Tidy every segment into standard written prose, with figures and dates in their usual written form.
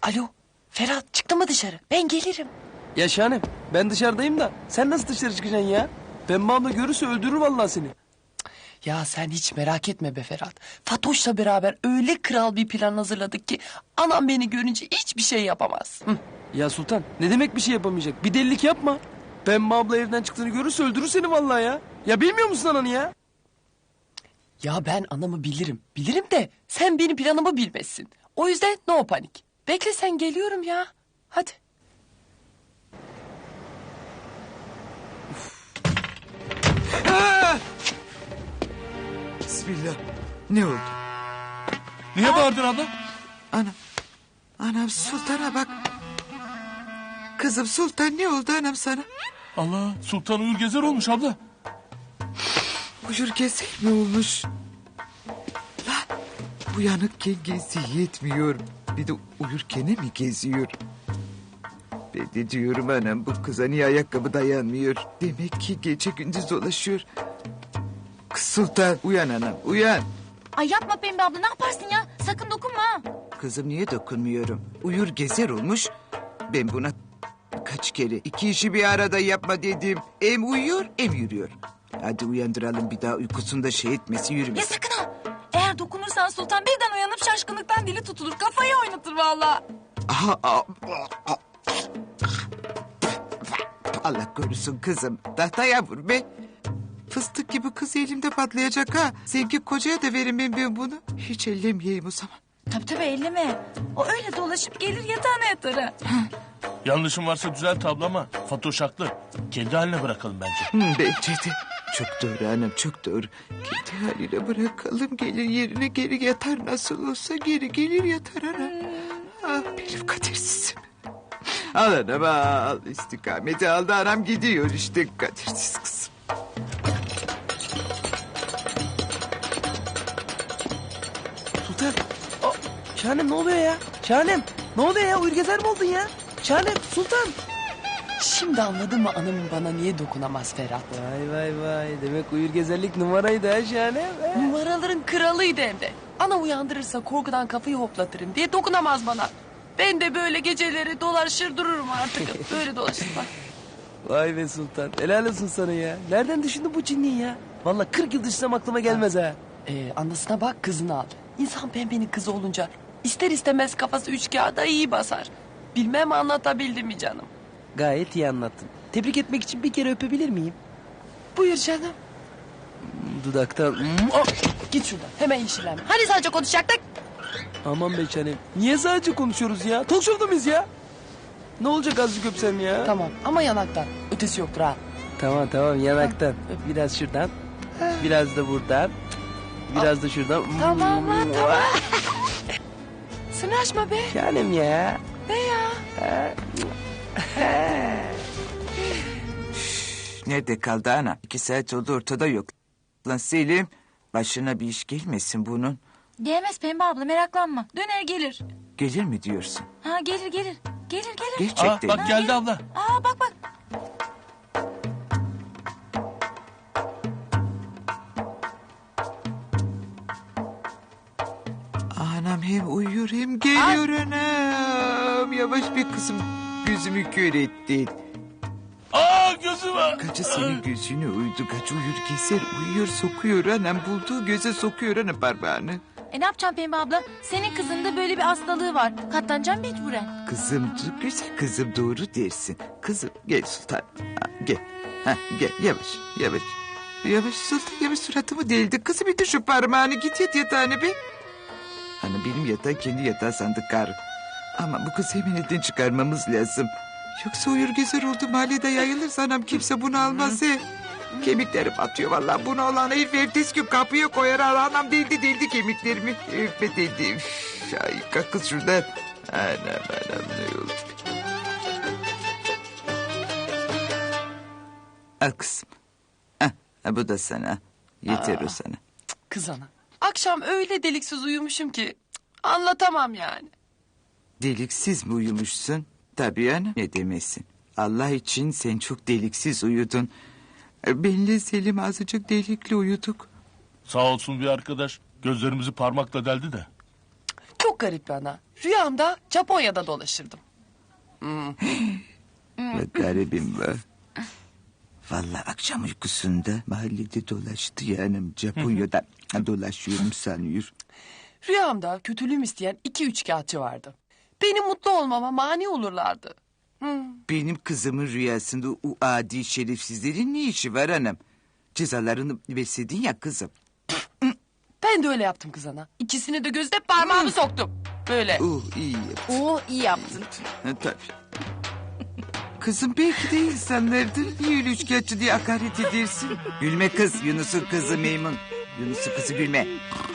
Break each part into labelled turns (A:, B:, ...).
A: Alo Ferhat, çıktı mı dışarı? Ben gelirim.
B: Ya Şahanem, ben dışarıdayım da sen nasıl dışarı çıkacaksın ya? Pembe abla görürse öldürür vallahi seni.
A: Ya sen hiç merak etme be Ferhat. Fatoş'la beraber öyle kral bir plan hazırladık ki... ...anam beni görünce hiçbir şey yapamaz. Hı.
B: Ya Sultan, ne demek bir şey yapamayacak? Bir delilik yapma. Pembe abla evden çıktığını görürse öldürür seni vallahi ya. Ya bilmiyor musun ananı ya?
A: Ya ben anamı bilirim. Bilirim de sen benim planımı bilmezsin. O yüzden no panik. Bekle sen, geliyorum ya. Hadi.
C: Bismillah. Ne oldu?
D: Niye bağırdın abla?
C: Anam. Anam Sultan'a bak. Kızım Sultan ne oldu anam sana?
D: Allah, Sultan Uyur Gezer olmuş abla.
C: Uyur gezer mi olmuş? Lan uyanıkken gezi yetmiyor. Bir de uyurken mi geziyor? Ben de diyorum anam bu kıza niye ayakkabı dayanmıyor? Demek ki gece gündüz dolaşıyor. Kız Sultan uyan anam uyan.
E: Ay yapma Pembe abla, ne yaparsın ya? Sakın dokunma ha.
C: Kızım niye dokunmuyorum? Uyur gezer olmuş. Ben buna kaç kere iki işi bir arada yapma dedim. Hem uyuyor hem yürüyor. Hadi uyandıralım bir daha uykusunda şey etmesi
E: Ya
C: yürümesin.
E: sakın ha. Eğer dokunursan Sultan birden uyanıp şaşkınlıktan dili tutulur. Kafayı oynatır vallahi.
C: Allah korusun kızım. Tahtaya vur be. Fıstık gibi kız elimde patlayacak ha. Sevgi kocaya da veremem ben bunu. Hiç ellemeyeyim o zaman.
E: Tabii elleme. O öyle dolaşıp gelir yatağına yatar ha.
D: Yanlışım varsa düzelt abla ama Fatoş haklı. Kendi haline bırakalım bence.
C: Bence de. Çok doğru anam çok doğru. Kendi haline bırakalım gelir yerine geri yatar nasıl olsa geri gelir yatar anam. Ah benim kadersizim. Al anam al istikameti aldı anam gidiyor işte kadersiz kızım.
B: Sultan. Şahanem ne oluyor ya? Şahanem ne oluyor ya? Uyur gezer mi oldun ya? Şahanem, Sultan.
A: Şimdi anladın mı anamın bana niye dokunamaz Ferhat?
B: Vay vay vay. Demek uyur gezerlik numaraydı ha Şahanem.
A: Numaraların kralıydı hem de. Ana uyandırırsa korkudan kafayı hoplatırım diye dokunamaz bana. Ben de böyle geceleri dolaşır dururum artık. Böyle dolaşır bak.
B: Vay be Sultan. Helal olsun sana ya. Nereden düşündün bu cinliği ya? Vallahi 40 yıl düşünsem aklıma gelmez ha.
A: Anasına bak, kızını al. İnsan pembenin kızı olunca ister istemez kafası üç kağıda iyi basar. Bilmem anlatabildim mi canım?
B: Gayet iyi anlattın. Tebrik etmek için bir kere öpebilir miyim?
A: Buyur canım.
B: Dudaktan.
A: Git şuradan, hemen işilenme. Hani sadece konuşacaktık?
B: Aman be Şahanem. Niye sadece konuşuyoruz ya? Talk show'da mıyız ya? Ne olacak azıcık öpsem ya?
A: Tamam ama yanaktan. Ötesi yoktur ha.
B: Tamam tamam yanaktan. Biraz şuradan. Biraz da buradan. Biraz da şuradan.
A: Tamam lan tamam. Sınaşma be.
B: Şahanem ya.
A: Ne ya?
C: Nerede kaldı ana? 2 saat oldu ortada yok. Lan Selim başına bir iş gelmesin bunun.
E: Gelmez Pembe abla, meraklanma. Döner gelir.
C: Gelir mi diyorsun?
E: Ha gelir gelir. Gelir gelir.
C: Gerçekten.
D: Aa, bak geldi abla.
E: Aa bak bak.
C: Anam hem uyuyor hem geliyor anam. Yavaş bir kızım gözümü kör ettin.
D: Aa gözüme.
C: Kaçı senin gözüne uydu. Kaçı uyur keser uyuyor sokuyor anam. Bulduğu göze sokuyor anam parmağını.
E: Ne yapacağım Pembe abla? Senin kızın da böyle bir hastalığı var. Katlanacağım mecburen.
C: Kızım güzel kızım doğru dersin. Kızım gel Sultan. Ha, gel. Ha, gel yavaş yavaş. Yavaş Sultan yavaş suratımı deldi. Kızım bir de şu parmağını git yat yatağına be. Hani benim yatağı kendi yatağı sandık karı. Ama bu kızı hemen elden çıkarmamız lazım. Yoksa uyur gezer oldu mahallede yayılırsa anam kimse bunu almaz he. Kemiklerim atıyor vallahi bunu olan herif ertesi gün kapıya koyar anam deldi kemiklerimi. Öpme deldi. Üf, ay kalk kız şuradan. Anam ne oldu? Al kızım. Ha, bu da sana. Yeter o sana.
A: Kız ana. Akşam öyle deliksiz uyumuşum ki anlatamam yani.
C: Deliksiz mi uyumuşsun? Tabii ana ne demesin. Allah için sen çok deliksiz uyudun. Benle Selim azıcık delikli uyuduk.
D: Sağ olsun bir arkadaş. Gözlerimizi parmakla deldi de.
A: Çok çok garip bana. Rüyamda Japonya'da dolaşırdım.
C: Bak garibim var. Vallahi akşam uykusunda mahallede dolaştı yani Japonya'da dolaşıyorum sanıyor.
A: Rüyamda kötülüğüm isteyen 2 üçkağıtçı vardı. Benim mutlu olmama mani olurlardı.
C: Benim kızımın rüyasında o adi şerefsizlerin ne işi var anam? Cezalarını versedin ya kızım.
A: Ben de öyle yaptım kız ana. İkisini de gözde parmağımı soktum. Böyle.
C: İyi yaptın.
E: iyi yaptın.
C: Ha, tabii. Kızım belki de insanlardır. Niye öyle üçkağıtçı diye hakaret edersin? Gülme kız, Yunus'un kızı Meymun. Yunus'un kızı gülme.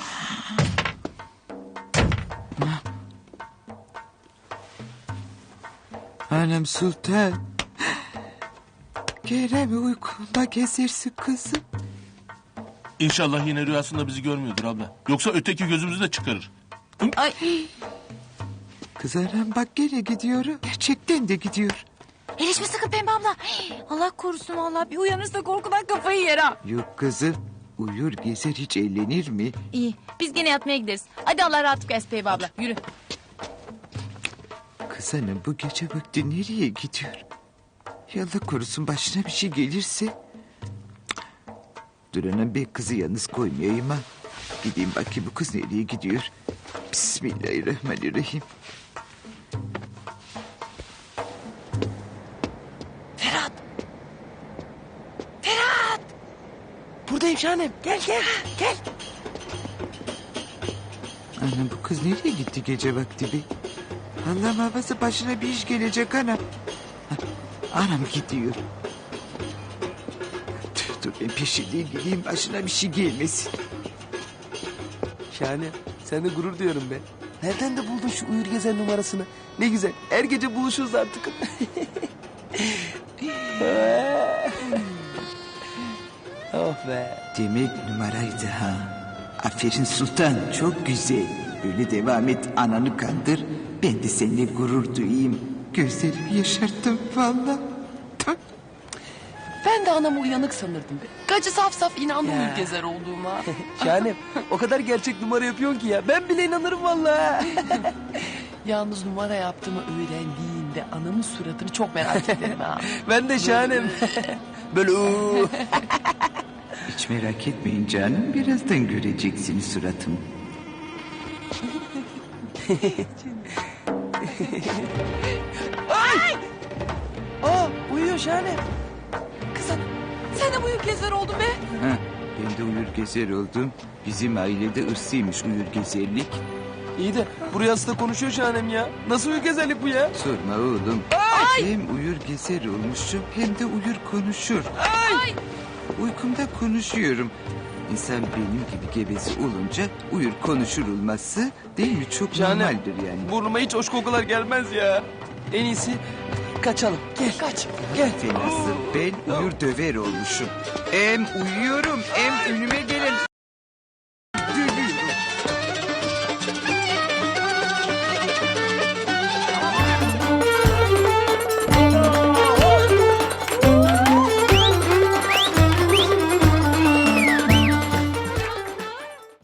C: Anam Sultan. Kerem uykunda gezersin kızım.
D: İnşallah yine rüyasında bizi görmüyordur abla. Yoksa öteki gözümüzü de çıkarır.
E: Ay.
C: Kız anam bak gene gidiyor. Gerçekten de gidiyor.
E: Erişme sakın Pembe abla. Allah korusun vallahi bir uyanırsa korkudan kafayı yer ha.
C: Yok kızım. Uyur gezer hiç eğlenir mi?
E: İyi biz gene yatmaya gideriz. Hadi Allah rahatlık versin Pembe abla yürü.
C: Kız hanım bu gece vakti nereye gidiyor? Allah korusun başına bir şey gelirse. Dur anam ben kızı yalnız koymayayım ha. Gideyim bakayım bu kız nereye gidiyor. Bismillahirrahmanirrahim.
A: Ferhat. Ferhat.
B: Buradayım Şahanem. Gel gel gel.
C: Anam bu kız nereye gitti gece vakti be? Allah muhafaza başına bir iş gelecek anam. Anam gidiyor. Dur ben peşinden gideyim başına bir şey gelmesin.
B: Şahanem sen de gurur diyorum be. Nereden de buldun şu uyur gezen numarasını? Ne güzel. Her gece buluşuruz artık. Oh be.
C: Demek numaraydı ha. Aferin Sultan çok güzel. Böyle devam et ananı kandır. Ben de seninle gurur duyayım. Gözlerimi yaşarttım valla.
A: Ben de anamı uyanık sanırdım be. Gacı saf saf inandı
B: Ya.
A: uyur gezer olduğuma.
B: Şahanem o kadar gerçek numara yapıyorsun ki ya. Ben bile inanırım vallahi.
A: Yalnız numara yaptığımı öğrendiğinde anamın suratını çok merak ederim ha.
B: Ben de Şahanem. Böyle
C: Hiç merak etmeyin canım. Birazdan göreceksiniz suratımı.
B: Aa uyuyor Şahanem.
A: Kız ana sen de uyur gezer oldun be.
C: Ha, ben de uyur gezer oldum. Bizim ailede ırsıymış uyur gezerlik.
B: İyi de bu rüyasında konuşuyor Şahanem ya. Nasıl uyur gezerlik bu ya?
C: Sorma oğlum. Hem uyur gezer olmuşum hem de uyur konuşur. Uykumda konuşuyorum. İnsan benim gibi gevezi olunca uyur konuşur olması değil mi? Çok
B: Şahanem,
C: normaldir yani.
B: burnuma hiç hoş kokular gelmez ya. En iyisi kaçalım. Gel.
A: Kaç.
B: Gel.
C: Fenası ben uyur döver olmuşum. Hem uyuyorum hem önüme gelen